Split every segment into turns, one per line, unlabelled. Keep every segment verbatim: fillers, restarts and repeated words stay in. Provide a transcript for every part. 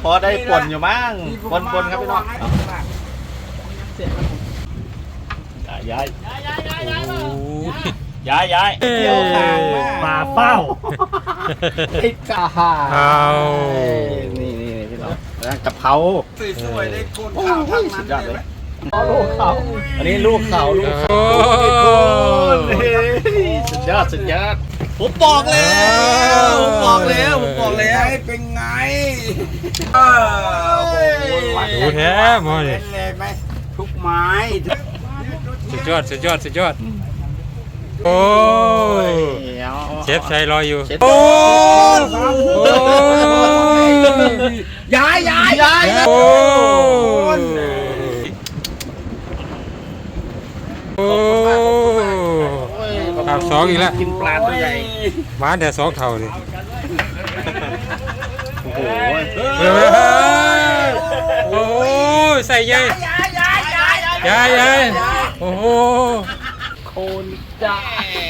พอได้ป่นอยู่มั้งปนปนครับพี่น้องย้ายย้ายย้ายเที่ยวทางมาเป้าไอ้กาฮานี่นี่พี่น้องแล้วกะเพราสวยๆได้คนข้าวทั้งนั้นเลยลูกเขาอันนี้ลูกเขาลูกเขาสุดยอดสุดยอดผมบอกแล้วผมบอกแล้วผมบอกแล้วเป็นไง
ดูแท้มอนี่
เลยไหมทุกไม้
สุดยอดสุดยอดสุดยอดโอ้ยเชฟชัยรออยู่
โอ้ยย้ายย้ายย้าย
โอ้ยโอ้ยภาพสองอีกแล้ว
กินปลาตัวใหญ่
มาแต่สองเท่าดิ
โอ้โห
โอ้ยใส่ใหญ่ใหญ่ใหญ่โอ้โห
โคนจ้า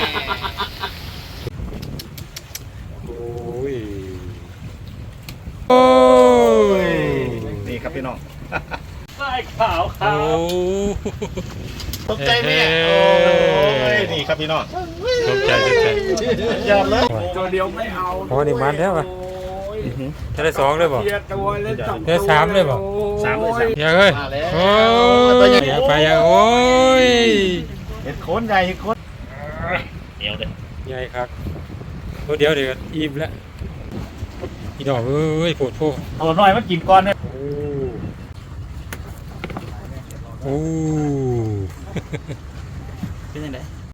โอ้ยโอ้ย
นี่ครับพี่น้องใส่ขาวขาวตกใจไหมเนี่ยโอ้ยนี่ครับพี่น้อง
ตกใจตกใจ
ยอดเลย
ตัวเดียวไม่เอา
โอ้นี่มันแล้วป่ะจะได้สองเลยบ่ได้สามเลยบ่
สามเลยสาม
อย่าเอ้ยโอ้ยอย่าไปอย่าโอ้ย
เห็ดโคนใหญ่เห็ดโคนเดี๋ยวเลย
ใหญ่ครับเดี๋ยวเดี๋ยวอิ่มแล้วอีดอกเอ้ยปวดโผล่
ตัวน้อยมากินก่อนเนี่ย
โอ้